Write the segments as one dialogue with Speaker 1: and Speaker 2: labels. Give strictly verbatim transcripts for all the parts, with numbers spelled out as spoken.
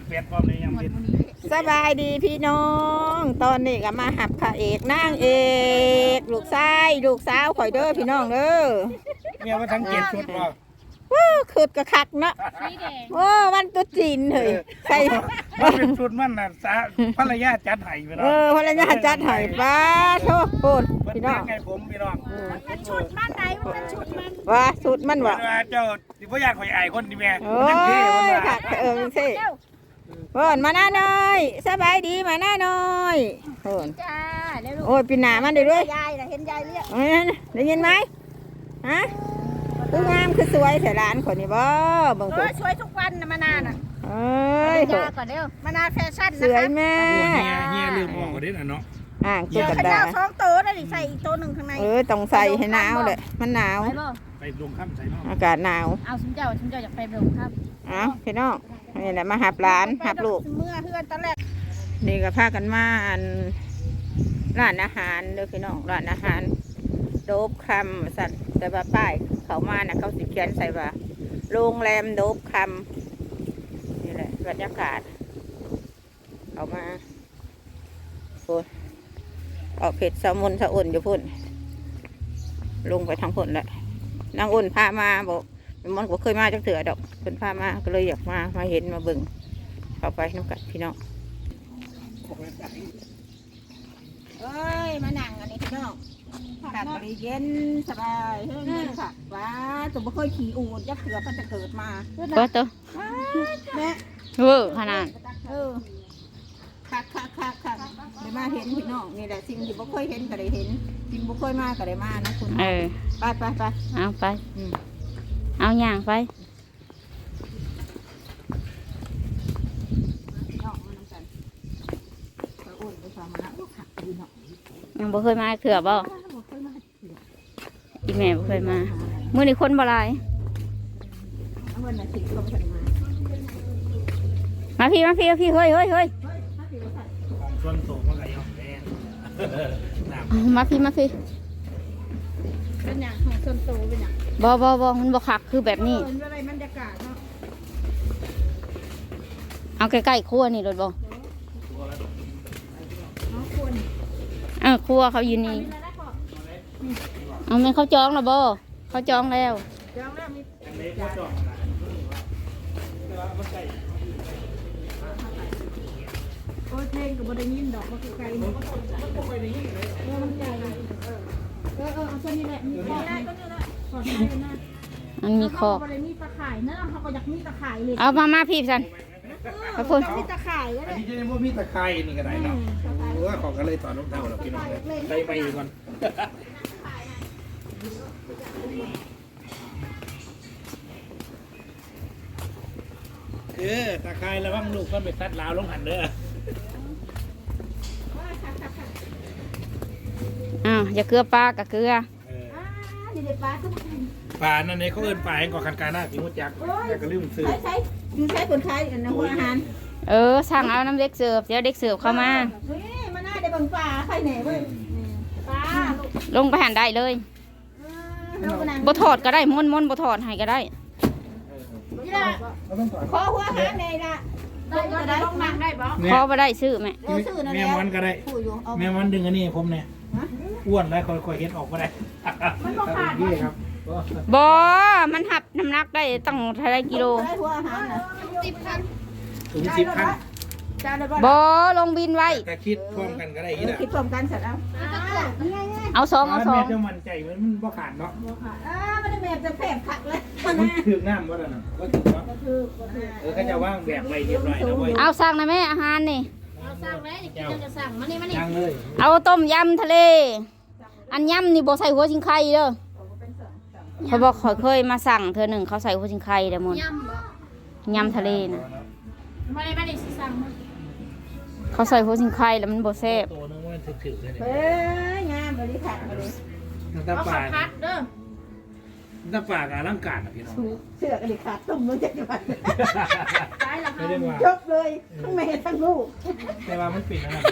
Speaker 1: เป็ดพร้อมเลยยังเป็น
Speaker 2: สบายดีพี่น้องตอนนี้ก็มาหับพระเอกนางเอกลูกชายลูกสาวข่อยเด้อพี่น้องเด้อ
Speaker 1: เมียว่าทั้งเจ็ดชุดบ่
Speaker 2: ว้าคืดกระคักเนาะโอ้วันตุ๊จีนเฮ้ยใส่
Speaker 1: มันเป็นชุดมันน่ะสาภรรยาจัดให้พี่น้อง
Speaker 2: เออภรรยาจัดให้ป้าโทษโอนพี่น้อง
Speaker 1: ไงผมพี่น้อง
Speaker 3: มันเป็นชุดมันไหนมันเป็นชุดมัน
Speaker 2: ว่าชุดมันวะ
Speaker 1: เจ้าสิบ่อยากข่อยอายคนนี่แม่
Speaker 2: โอ้ยค่ะเออมันสิโอนมาหน้าหน่อยสบายดีมาหน้าหน่อยโอน
Speaker 3: จ้า
Speaker 2: โอ้ยปีหน้ามันได้ด้วย
Speaker 3: ยายน่ะเห็นยายเรียก
Speaker 2: ได้ยินไหมฮะคืองามคือสวยแต่ร้านคนนี้บ่บางคน
Speaker 3: สวยทุกวันนะมานานอ่ะ
Speaker 2: เอ้ย
Speaker 3: ก่อนเร็วมานานแฟชั่น
Speaker 2: นะคะสวยแม่
Speaker 1: เฮียเฮียลืมบอกก็ได้น่ะเนาะ
Speaker 2: อ่าง
Speaker 3: ตัวกระดาษสองตัวได้ใส่อีกตัวหนึ่งข้างใน
Speaker 2: เออต้องใส่ให้หนาวเลยมันหนาว
Speaker 1: ไปลงค่ำใส่เนาะ
Speaker 2: อากาศหนาว
Speaker 3: เอาชุนเจ้าชุนเจ้าอยากไปลงค่ำ
Speaker 2: เอาพี่น้องนี่แหละมาหับร้านหับลูก
Speaker 3: เมื่อเพื่อนตอนแรก
Speaker 2: นี่ก็พากันมาร้านอาหารเด้อพี่น้องร้านอาหารโดบคำสัตว์แต่ว่าป้ายเขามานะเขาสิเขียนใส่ว่าโรงแรมโดบคำนี่แหละบรรยากาศเขามาโอ้ออกเผ็ดสะมุนสะอุ่นอยู่พุ่นลงไปทางพุ่นแหละนางอุ่นพามาบอกมันก็เคยมาจักเถื่อดอกคนพามาก็เลยอยากมามาเห็นมาเบิ่งเข้าไปน้ำกัดพี่น้องเอ้ยมานั่งอันนี้พี่น้องกัดบริเย็นสบายเฮ้ยค่ะว้าตัวไม่เคยขี่อูดยักษ์เถื่อมันจะเกิดมา
Speaker 4: ว่าตัว
Speaker 2: แม่
Speaker 4: เวอร์ขนาด
Speaker 2: เออคักคักคักคักได้มาเห็นพี่น้องนี่แหละสิ่งที่ไม่เคยเห็นก็ได้เห็นสิ่งไม่เคยมาก็ได้มานะคุณ
Speaker 4: เออ
Speaker 2: ไปไปไป
Speaker 4: เอาไปเอาอย่างไปยังบ่เคยมาเถื่อบ่อีแม่บ่เคยมาเมื่อนี้คนบ่หลายมาพี่มาพี่มาพี่เฮ้ยเฮ้ยเฮ้ย
Speaker 1: ส่วนโตมันก็ยังแม่
Speaker 4: มาพี่มาพี่
Speaker 3: เป็นอย่างของส่วนตัวเป็นอย่าง
Speaker 4: บ่บ่บ่มันบ่คักคือแบบนี้เอาใกล้ๆครัวนี่รถบ่เออครัวเขาอยู่นี่เอาไม่เขาจองแล้วบ่เขาจองแล้ว
Speaker 3: จองแล้วมีโอ้ยเพลงกับบได้ยินดอกมันไกลๆมันก็ไม่ได้ยินเลยเออมันใหญ่เลยเออเออเออเอาตัวนี้แหละมีคอได้ก็นี่แหละขอได้นะ
Speaker 4: มันมีคอ
Speaker 3: เขาเลยมีตะข่ายเนอะเขาก็อยากมีตะข่ายเลย
Speaker 4: เอามามาพี่สัน
Speaker 3: ขอบคุณมีตะข่ายก็ได้
Speaker 1: อันนี้จะว่ามีตะไคร้นี่ก็ได้เนาะเพราะว่าของก็เลยต่อรองเท้าเราพี่น้องเลยไปไปก่อนเออตะไคร้ระวังลูกก็ไปซัดลาวลงหันเด้อ
Speaker 4: อ้าวอย่าเกลือปลากับเกลือ
Speaker 1: ปลานั่นเนี่ยเขาเอิ้นปลาเองก่อคันการหน้าสิมุจักแต่ก็ลืมซื้อ
Speaker 2: ใช้ดูใช้คนขายอันนั้นหัวอาหาร
Speaker 4: เออสั่งเอาน้ำเด็กเสิร์ฟเดี๋ยวเด็กเสิร์ฟเข้ามา
Speaker 2: เฮ้ยมาหน้าได้บังปลาใครเหน่เว้ยปลา
Speaker 4: ลงไปหันได้เลยบ่ถอดก็ได้ม้วนม้วนบ่ถอดให้ก็ได้
Speaker 2: ขอหัวอาหารเลยนะ
Speaker 3: ได้ก็ได้ต้องนั่งได้บ่
Speaker 4: ขอบ่ได้ซื้อแม่
Speaker 1: แม่มันก็ได้แม่มันดึงอันนี้ผมเนี่ยอ้วนแล้วค่อยๆเฮ็ดออกก็ได้
Speaker 3: มันบ่ขาด
Speaker 1: นี่ครับ
Speaker 4: บ่มันหับน้ำหนักได้ตั้งเท่าไรกิโล
Speaker 3: สิบคัน
Speaker 1: ถึงสิบคัน
Speaker 4: บ่ลงบินไว้
Speaker 1: แต่คิดพร้อมกันก็ได้อีก
Speaker 2: คิดพร้อมกันเสร็จแล้ว
Speaker 4: เอาสองเอาสอง
Speaker 1: แม่จะมั่นใจมันมันบ่ขาดเนาะ
Speaker 2: บ่ขาดอ่ามันแม่จะแผลขัดเลย
Speaker 1: มันถึงน้ำว่าแล้วน่ะก็ถึงเนาะเออเขาจะว่างแบบไว้เรียบร้อยแล้วเว้ย
Speaker 4: เอาสั่งนะแม่อาหารนี่
Speaker 3: เอาสั่งเลยกินจะสั่งมานี่มานี่
Speaker 1: สั่งเลย
Speaker 4: เอาต้มยำทะเลอันยำนี่บ่ใส่หัวชิงไข่เด้อเขาบอกเขาเคยมาสั่งเธอหนึ่งเขาใส่หัวชิงไข่เด้อมนยำทะเลนะ
Speaker 3: มานี่มานี่สิสั่ง
Speaker 4: เขาใส่หัวชิงไข่แล้วมันบ่แซ่บ
Speaker 1: ตัวนึงมันถึกๆเลย
Speaker 2: เฮ้ยงามบริขัดมาเลย
Speaker 1: ตาปาก
Speaker 3: พัดเด้อ
Speaker 1: ตาปากอลังการอ่ะพี่น้อง
Speaker 2: เสือกอะไรขาดตุ่มมันจะจับ
Speaker 3: ตายแล้ว
Speaker 2: ยกเลยทั้งแม่ทั้งลูก
Speaker 1: แต่ว่ามันปิดนะครับ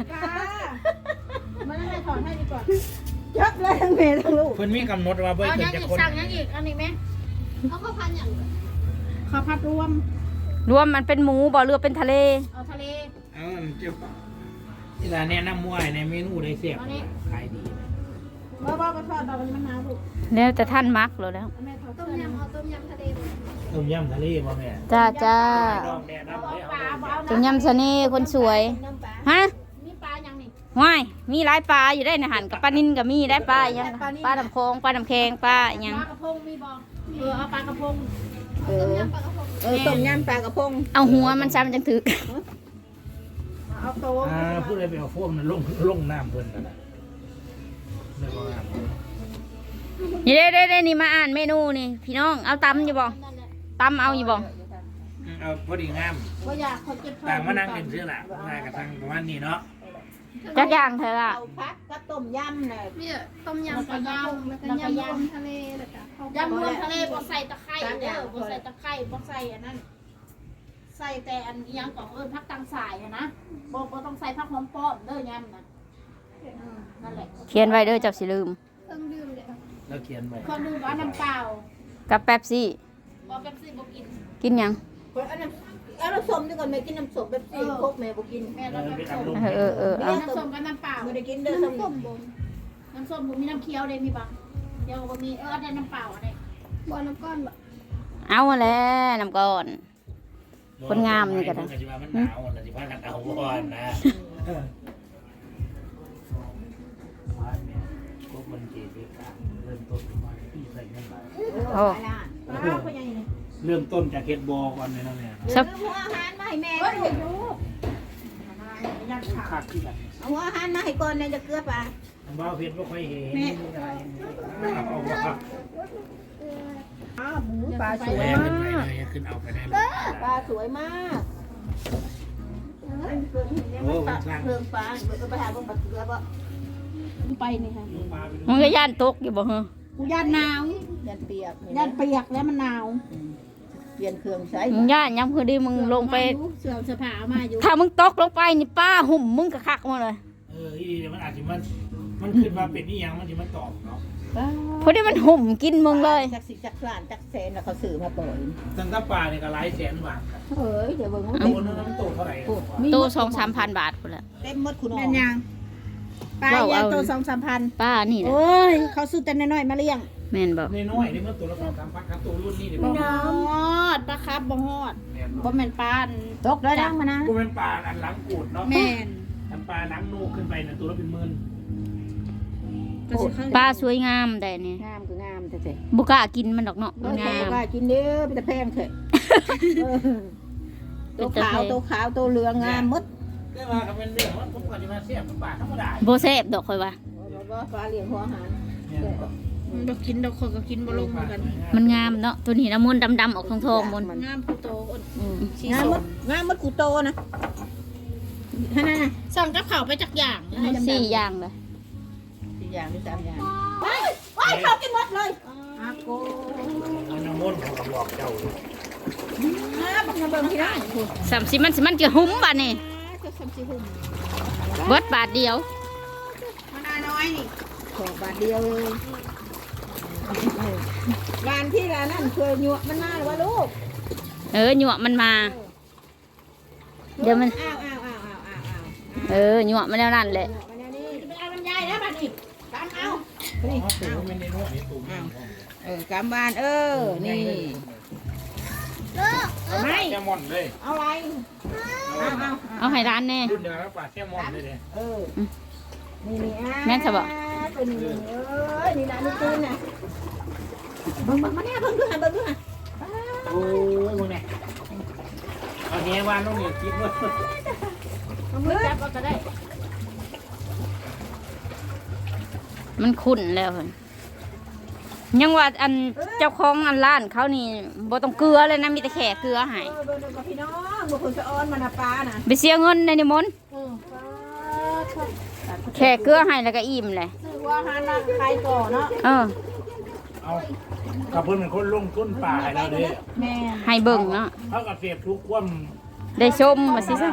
Speaker 3: มันไม่ถอนให้ดีกว่า
Speaker 2: ยกเลยทั้งแม่ทั้งลูก
Speaker 1: เพิ่นมีกำหนดว่าเบิ่งจะคน
Speaker 3: สั่งยังอีกอันนี้ไหมเขาก็พันอย่างเขาพัดรวม
Speaker 4: รวมมันเป็นหมูบ่เรือเป็นทะเล
Speaker 3: เอาทะเล
Speaker 1: เอาเจ้าที่ร้านแนะนำมวยในเมนูได้เสียบขายดีนะ
Speaker 3: บ้าบ้าไปทอดดอกมันหนาวลูก
Speaker 4: แล้วแต่ท่านมักแล้วแล้ว
Speaker 3: แม่ทอด
Speaker 5: ต้มยำเอาต้มยำทะเลหมด
Speaker 1: ต้มยำทะเลบ่แม่
Speaker 4: จ้าจ้า
Speaker 1: ดองแดดน้ำเลย
Speaker 3: ปลา
Speaker 1: เอา
Speaker 3: บ่เอา
Speaker 4: จุ่มยำเสน่ห์คนสวย
Speaker 5: น้ำปลา
Speaker 4: ฮะ
Speaker 3: มีปลายังนี่
Speaker 4: ว้ายมีหลายปลาอยู่ได้ในหันกับปลานินก็มีได้ปลาอย่างปลาดำโคงปลาดำแคงปลาอ
Speaker 3: ป
Speaker 4: ย่าง
Speaker 3: ลากระพงมีบ่เออเอาปลากระพง
Speaker 4: เอ
Speaker 5: ต้ม
Speaker 4: อย
Speaker 5: ำปลากระพง
Speaker 3: เออต้มยำปลากระพง
Speaker 4: เอาหัวมันซ้ำจังถึก
Speaker 3: เอาโต
Speaker 1: อ่าพูดอะไรไปเอาโฟมนั่นลงลงน้ำเพิ่นนั่นน่ะไม่ว่าน้ำ
Speaker 4: นี่เด้เด้เด้นี่มาอ่านเมนูนี่พี่น้องเอาตำอยู่บ่ตำเอาอยู่บ่
Speaker 1: เอาพอดีงาม
Speaker 3: ว่าอยากคนเจ็บ
Speaker 1: ต่างมานั่งเป็นเสื้อละงานกับทางประมาณนี้เนาะ
Speaker 4: จักอย่างเธออะ
Speaker 3: เอาพักก็ต้มยำเลย
Speaker 5: มีต้มยำปลากระพงแล้วก็ยำรวมทะเลแล้วก็ข้าว
Speaker 3: ยำรวมทะเลบ่ใส่ตะไคร้เด้อบ่ใส่ตะไคร้บ่ใส่อันนั้นใส่แต่อันอีหยังของเอิ้นผักตังสายอะนะบ่บ่ต้องใส่ผักหอมป้อมเด้อยำน่ะนั่นแหละ
Speaker 4: เขียนไว้เด้อเจับสิลืม
Speaker 5: เครื่องดื่มเลย
Speaker 1: แล้วเขียนไว้
Speaker 3: คนดูว่าน้ำเปล่า
Speaker 4: กับแป๊บซี่
Speaker 3: บ่เป๊ปซี่บ่กิน
Speaker 4: กินหยัง
Speaker 6: เอาน้ำเอาน้ำส้มดีกว่าแม่กินน้ำส้มแบบสี่พกแม่บ่กิน
Speaker 3: แม่
Speaker 1: เอ
Speaker 3: เรา
Speaker 1: อ
Speaker 3: น้ำ
Speaker 1: ไป
Speaker 3: ส้ม
Speaker 1: ทำลง
Speaker 4: เออเออเออ
Speaker 3: มี
Speaker 4: เอา
Speaker 3: น้ำส้มกับน้ำเปล่า
Speaker 6: บ่ได้กินเด้อส้ม
Speaker 5: ต้มบน
Speaker 3: น้ำส้มผมมีน้ำเคี้ยวเลยมีบ่เดี๋ยวบ่มีเออได้น้ำเปล่าอะไร
Speaker 5: บ่อน้ำก้อนบ่
Speaker 4: เอาแล้วน้ำก่อน คนงามนี่ก็ได้
Speaker 1: มันสิว่ามันหนาวน่ะสิพากันเอาก่อนนะเออบ้านเนี่ยพวกมันเกณฑ์ด้วยกันเริ่มต้นมาที่ใส่เงินหลาย
Speaker 4: โอ้
Speaker 3: อ้าวเป็นยังไงนี่
Speaker 1: เริ่มต้นจากเฮ็ดบอก่อนเลยนะแม่
Speaker 6: เดี๋ยวหัวอาหารมาให้แม่
Speaker 3: เฮ้ย
Speaker 6: ก่อน
Speaker 3: ดูยัดขา
Speaker 1: คักที่แบบ
Speaker 6: เอาหัวอาหารมาให้ก่อนแม่จะเกลือปลา
Speaker 1: อันบ่าวเพชรบ่ค่อยเห็นเอาบ่ครับ
Speaker 6: อ้าวหมูปลาสวย
Speaker 1: แม่
Speaker 6: มา
Speaker 1: ขึ้นไป
Speaker 6: ก
Speaker 1: เลยขึ้นเอาไปได้เลย
Speaker 6: ปลาสวยมากเอ้ยเกลือเนี่ยมันปลาเพิ่มปลาเบิ่งไปหาเบิ่งปลาเกลือบ่
Speaker 3: ไปนี่ค่ะ
Speaker 1: ปลาไปดู
Speaker 4: มึงก็ย่านตกอยู่บ่เหรอ
Speaker 3: กูยัดหนาว
Speaker 6: ยันเปียก
Speaker 3: ยัดเปียกแล้วมันหนาว
Speaker 6: เปลี่ยนเครื่องใช้
Speaker 4: มึงย่านยังคือดีมึงลงไป
Speaker 3: เสื้อเสื้อผ้าเอามาอยู่
Speaker 4: ถ้ามึงตกลงไปนี่ป้าหุ่มมึงกะคักมาเลย
Speaker 1: เอออีเดี๋ยวมันอาจจะมันมันขึ้นมาเป็นนี่ยังมันจะมาตอบเนาะ
Speaker 4: เพราะที่มันหุ่มกินมึงเลย
Speaker 6: จักสิจักล้านจักแสนแล้วเขาซื้อมาปล่อย
Speaker 1: ตั้งแต่ปลาเนี่ยก็หลายแสนบาทครับ
Speaker 6: เอ้ยเดี๋ยวเบิ่งมัน
Speaker 1: ตั
Speaker 6: เต็
Speaker 1: ว
Speaker 6: ม
Speaker 1: นึงมันโตเท่าไหร่
Speaker 4: โตสองสามพันบาทพุ่นละ
Speaker 6: เต็มหมดคุณน้อ
Speaker 3: แม่
Speaker 6: ง
Speaker 3: นยังปลา
Speaker 4: ว้าว
Speaker 3: ยา
Speaker 4: เอา
Speaker 3: ตัวสองสามพัน
Speaker 4: ป้านี่แหละ
Speaker 3: โอ้ยเขาซื้อแต่น้อยๆมาเลี้ยง
Speaker 4: แม่นบอก
Speaker 1: ในน้อยนี่มันตัวละสองสามพันครับตัวรุ่นนี้เดี๋ยว
Speaker 3: บ่
Speaker 1: มัน
Speaker 3: ฮอดปลาครับบ่ฮอด
Speaker 1: แม่น
Speaker 3: บ่แม่นปลาอัน
Speaker 6: ตกแล้วดังมานะ
Speaker 1: กูเป็นปลาอันหลังกูดเนาะ
Speaker 3: แม่น
Speaker 1: อันปลาหลังนูขึ้นไปเนี่ยตัวละเป็นหมื่น
Speaker 3: ก็สิเข้า
Speaker 4: ป้าสวยงามแต่นี่
Speaker 6: งามคืองามแท้
Speaker 4: บุกล้ากินมันดอกเนาะ
Speaker 6: ๆ
Speaker 4: มัน
Speaker 6: งาง
Speaker 4: าม ม
Speaker 6: ว่ากินเด้อเป็นตะแพงเถอะเออตัวขาวตัวขาวตัวเหลืองงามหมด
Speaker 1: เรียกว่าเขาเป็นเรื่องว่าผมก่อนจะมาเสียบปลาธรรมดา
Speaker 4: โบเซฟดอกคอยว่า
Speaker 6: บ่ปลาเลี้ยงหัวอาหาร
Speaker 1: เนี่ย
Speaker 3: มันบ่กินดอกคนก็กินบ่ลงเหมือนกัน
Speaker 4: มันงามเนาะตัวนี้นะมนต์ดำๆออกทองทองๆมนต์
Speaker 3: งามผู้โตอ้น
Speaker 6: อืมงามหมดงามหมดกูโตนะฮะนั่นน่ะ
Speaker 3: สั่งกับข้าวไปจักอย่าง
Speaker 4: สี่อย่างเลย
Speaker 6: สี่อย่างหรือสามอย่างไปไปเข้ากินหมดเลยอาโก
Speaker 1: เอาน้ำมนต์เขาก็บอกเจ้าอยู่
Speaker 6: อ่าบังเบิ่งพี่น้อง
Speaker 4: สามสิมันสิมันจะหุ้มบาทนี่
Speaker 3: ก็สามสิบหุ่ม
Speaker 4: เบิดบาทเดียว
Speaker 3: มะนาวน้อยนี่
Speaker 6: ขอบาทเดียวเลยร้านที่ร้านนั่นเคยหยวกมันมาหรือว่าลูก
Speaker 4: เออหยวกมันมา เดี๋ยวมัน
Speaker 6: อ้าวอ้าวอ้าวอ้าวอ้าวอ้าว
Speaker 4: เออหยวกมันแล้วนั่นแหละ
Speaker 6: หยวกมันเนี่ยนี่
Speaker 3: ไปเอาลำไยแล้วบัดนี้ตามเอา
Speaker 6: นี่
Speaker 1: เพราะตัวมันในน้อยตัวมัน
Speaker 6: เออกำบานเออนี่
Speaker 1: ไม่แซลมอนเลย
Speaker 6: เอาอะไรเอาเอา
Speaker 4: เอาให้ร้านแน่
Speaker 1: รุ่นเดียวกับปลาแซลมอนเลยเนี่ย
Speaker 6: เออนี่นี่อ่ะ
Speaker 4: แม่นจะบอก
Speaker 6: ตัวนี้เออนี่นะนี่ตื่นนะเบิ่งเบิ่งมาเนี่ยเบิ่งดูหันเบิ่งดูหัน
Speaker 1: โอ้ยมึงเนี่ยเอาเฮวานลงเนี่ยคิดว่า
Speaker 3: เอามือจับเอาก็ได้
Speaker 4: มันขุ่นแล้วเพิ่นยังว่าอันเจ้าของอันร้านเขานี่บ่ต้องเกลือเลยนะมีแต่แค่เกลือให้
Speaker 6: เออเบิ่งดูกับพี่น้องบุคคลสะออนมานาปลาน่ะ
Speaker 4: ไปเสียเงินในนิมนต์
Speaker 3: เออ
Speaker 4: แค่เกลือให้แล้วก็อิ่มเลย
Speaker 6: ซื้อว่าหานาใครก่อเนาะ
Speaker 4: เออ
Speaker 1: เอากับเพื่อนเป็นคนลงทุนป่าให้เราเลย
Speaker 6: แม่
Speaker 4: ให้เบิ่งเนาะ
Speaker 1: เท่ากับเสียบทุกความ
Speaker 4: ได้ชมมาสิซะ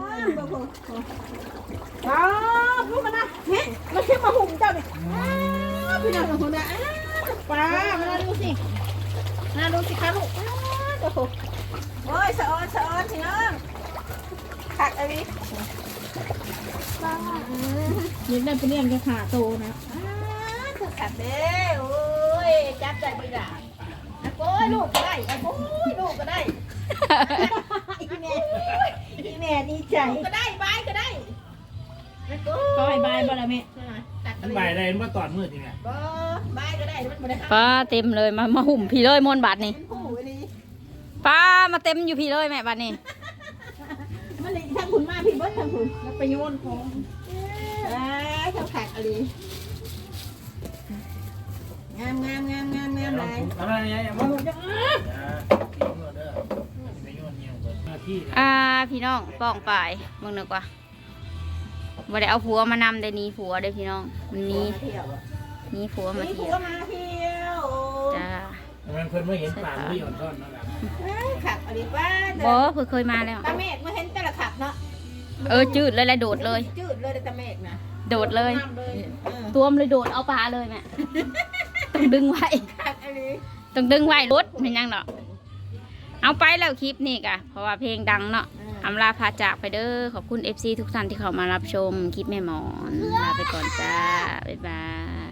Speaker 6: ว้าวพูดมานะเฮ้ยมาขึ้นมาหุ่มเจ้าเนี่ยอ้าวพี่น้องของเราอ้าว
Speaker 3: ปลามาดูสิมาดูสิคะลูก
Speaker 6: โอ้โหโอ้ยสะออนสะออนพี่น้องขักอะไร
Speaker 5: ยิงได้ไปเรียนกับขาโตนะ
Speaker 6: อ้าคือขัดเด้โอ้ยจับใจไปด่าอะโก้ยลูกก็ได้อะโก้ยลูกก็ได้อีแม่อีแม่ดีใจก็ได้บายก็ได้อะโก้
Speaker 5: ก็ให้บายบ่ละแม่
Speaker 6: ตัก
Speaker 1: มันใบได้มันตอนมืดจริงไง
Speaker 6: บ่บายก็ได้มันบ่ได้
Speaker 4: ป้าเต็มเลยมามาหุ่มพี่เลยมนต์บาทนี่
Speaker 6: เป็นผู้อันนี้
Speaker 4: ป้ามาเต็มอยู่พี่เลยแม่บาทนี่
Speaker 6: มันเลยทางคุณมาพี่เบิ้ลทางคุณแล้วไปโยนของเอ้ยทางขักอะไรงามงามงามงามงามเลย
Speaker 1: อะไรเนี่ยมันจะอ่าทิ้งเด้อไปโยนเงี้ยเปิดหน้าที่
Speaker 4: อ่าพี่น้องป้องปลายมึงนึกว่าบ่ได้เอาผัวมานำได้หนี้ผัวได้อพี่น้องมันหนี้
Speaker 6: เที่ยว
Speaker 4: หนี้ผัวมา
Speaker 6: นี่
Speaker 4: เที่
Speaker 6: ผั
Speaker 4: ยว ว
Speaker 6: มาเที่ยว
Speaker 4: จ้า
Speaker 1: มันเพิ่นไม่เห็นปากไม่หย่อนซ่อนนั่นแหละ
Speaker 6: ขับอะไรป้า
Speaker 4: บ่เพิ่งเคยมาแล้ว
Speaker 6: ตาเมฆมาเห็นแต่ละขับเนาะ
Speaker 4: เออจืดเลยแหละโดดเลย
Speaker 6: จืดเลยตาเมฆนะ
Speaker 4: โดดเลย
Speaker 6: น้ำเลยเออ
Speaker 4: ตัวมันเลยโดดเอาปลาเลยแม่ ต้องดึงไว้
Speaker 6: ขับอะไร
Speaker 4: ต้องดึงไว้รถเป็นยังเนาะเอาไปแล้วคลิปนี่กะเพราะว่าเพลงดังเนาะอำลาพาจากไปเด้อขอบคุณ เอฟ ซี ทุกท่านที่เข้ามารับชมคลิปแม่หมอนลาไปก่อนจ้าบ๊ายบาย